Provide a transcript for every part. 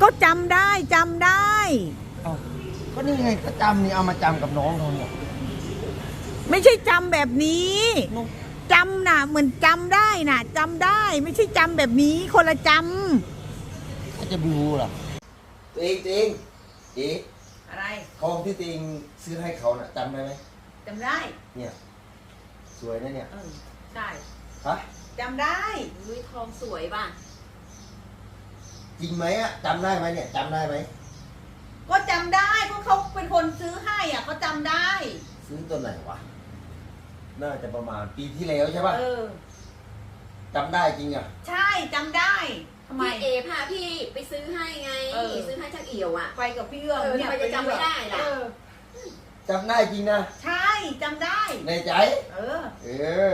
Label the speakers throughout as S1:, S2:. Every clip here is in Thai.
S1: จำได้จำได้
S2: เอาก็นี่ไงก็จำนี่เอามาจำกับน้องเขาเนี่ย
S1: ไม่ใช่จำแบบนี้
S2: น้อง
S1: จำน่ะเหมือนจำได้น่ะจำได้ ไม่ใช่จำแบบนี้คนละจ
S2: เขาจะไม่รู้หรอตัวเองเอ๊ะ
S1: ำอะไร
S2: ทองที่ตัวเองซื้อให้เขาน่ะจำได้ไหม
S1: จำได้
S2: เนี่ยสวยนะเนี่ย
S1: ใช่
S2: ฮะ
S1: จำได้
S3: อุ้ยทองสวยป่ะ
S2: จริงไหมอะจำได้ไหมเนี่ยจำได้ไหม
S1: ก็จำได้เพราะเขาเป็นคนซื้อให้อ่ะเขาจำได้
S2: ซื้อตัวไหนวะน่าจะประมาณปีที่แล้วใช่ป่ะจำได้จริงอ่ะ
S1: ใช่จำได้ทำไม
S3: พี่เอพาพี่ไปซื้อให้ไงซื้อให้ช่างเอี่ยวอ่ะ
S1: ไปกับพี่เอื้อม
S3: ทำไมจะจำไม่ได้ล่ะ
S2: จำได้จริงนะ
S1: ใช่จำได้
S2: ในใจเออ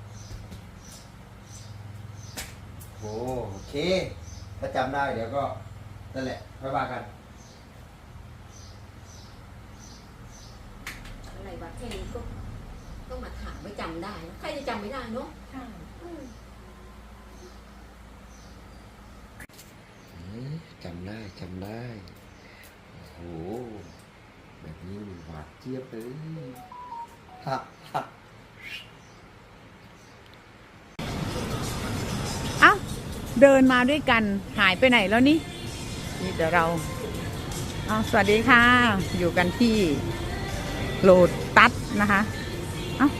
S2: โอเคถ้าจำได้เดี๋ยวก็นั่นแหละค่อยว่ากัน
S3: อะไรวะแค่นี้ก็ต้องมาถามว่าจำได้ใครจะจำไม่ได้เนาะ
S1: ใช่
S2: จำได้โอ้โหแบบนี้หวานเจี๊ยบเลยฮะ
S1: เอ้าเดินมาด้วยกันหายไปไหนแล้วนี่เดี๋ยวเราสวัสดีค่ะ อยู่กันที่โลตัสนะคะเอ้า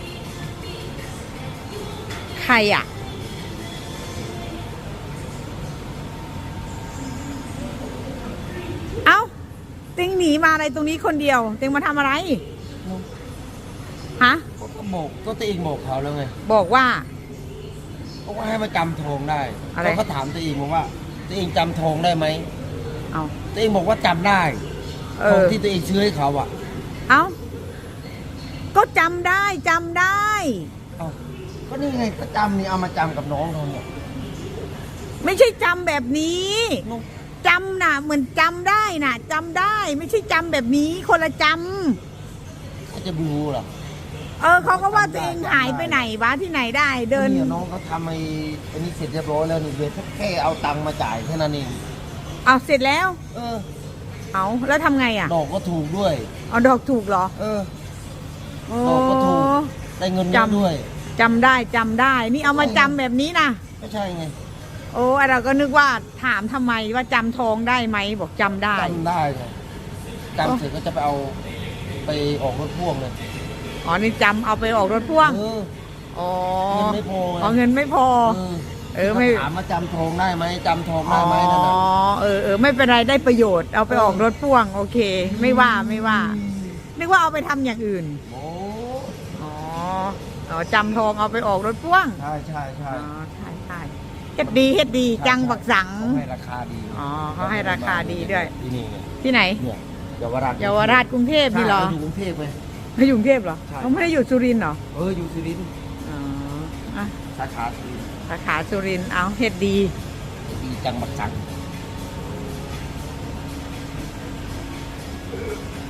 S1: ใครอ่ะเอ้าติงหนีมาอะไรตรงนี้คนเดียวติงมาทำอะไรฮะ
S2: ก็บอกก็ตัวเองบอกเขาแล้วไง
S1: บอกว่า
S2: ก็ว่าให้มาจำทองได้
S1: อะไร
S2: เขาก็ถามตัวเองบอกว่าตัวเองจำทองได้ไหม
S1: เอา
S2: ตัวเองบอกว่าจำได้ทองที่ตัวเองซื้อให้เขาอ่ะ
S1: เอาก็จำได้จำได้
S2: เอาก็นี่ไงก็จำนี่เอามาจำกับน้องเขาเนี่ย
S1: ไม่ใช่จำแบบนี้
S2: น้อง
S1: จำน่ะเหมือนจำได้น่ะจำได้ ไม่ใช่จำแบบนี้คนละจ
S2: เขาจะไม่รู้หรอ
S1: ำเขาก็ว่าตัวเองหายไปไหนวะที่ไหนได้เดิน
S2: เนี่ยน้องเขาทำอันนี้เสร็จเรียบร้อยแล้วนี่เดี๋ยวแค่เอาตังค์มาจ่ายแค่นั้นเอง
S1: เอาเสร็จแล้ว
S2: เออ
S1: เอาแล้วทำไงอ่ะ
S2: ดอกก็ถูกด้วย
S1: เอาดอกถูกเหรอ
S2: เออ
S1: โอ้
S2: ดอกก็ถูก ได้เงินเยอะด้วย
S1: จำได้จำได้ นี่เอามาจำแบบนี้นะ
S2: ไม่ใช่ไง
S1: โอ้เราก็นึกว่าถามทำไมว่าจำทองได้ไหมบอกจำได้
S2: จำได้ไงจำเสร็จก็จะไปเอาไปออกรถพ่วงเลย
S1: อ๋อนี่จำเอาไปออกรถพ่วง
S2: เออ
S1: อ๋อ
S2: เงินไม่พอไง
S1: เงินไม่พอ ไม่
S2: ถามมาจำทองได้ไหมจำทองได้ไหมนั่นน่ะ
S1: ไม่เป็นไรได้ประโยชน์เอาไปออกรถพ่วงโอเค ไม่ว่านึกว่าเอาไปทำอย่างอื่น
S2: โอ้
S1: อ๋อจำทองเอาไปออกรถพ่วง
S2: ใช่
S1: ใช่เฮ็ดดีจังบักสัง
S2: เขาให้ราคาดี
S1: เขาให้ราคาดีด้วย
S2: ที่นี่ไง
S1: ที่ไหน
S2: เนี่ยเยาวราช
S1: เยาวราชกรุงเทพนี่เหรอ
S2: อยู่กรุงเทพไหม
S1: เขาอยู่กรุงเทพเหรอ
S2: ใช่
S1: เขาไม่ได้อยู่สุรินทร์เหรอ
S2: อยู่สุรินทร์
S1: อ่ะ
S2: สาขาสุรินทร์
S1: สาขาสุรินทร์เอาเฮ็ดดี
S2: ดีจังบักสัง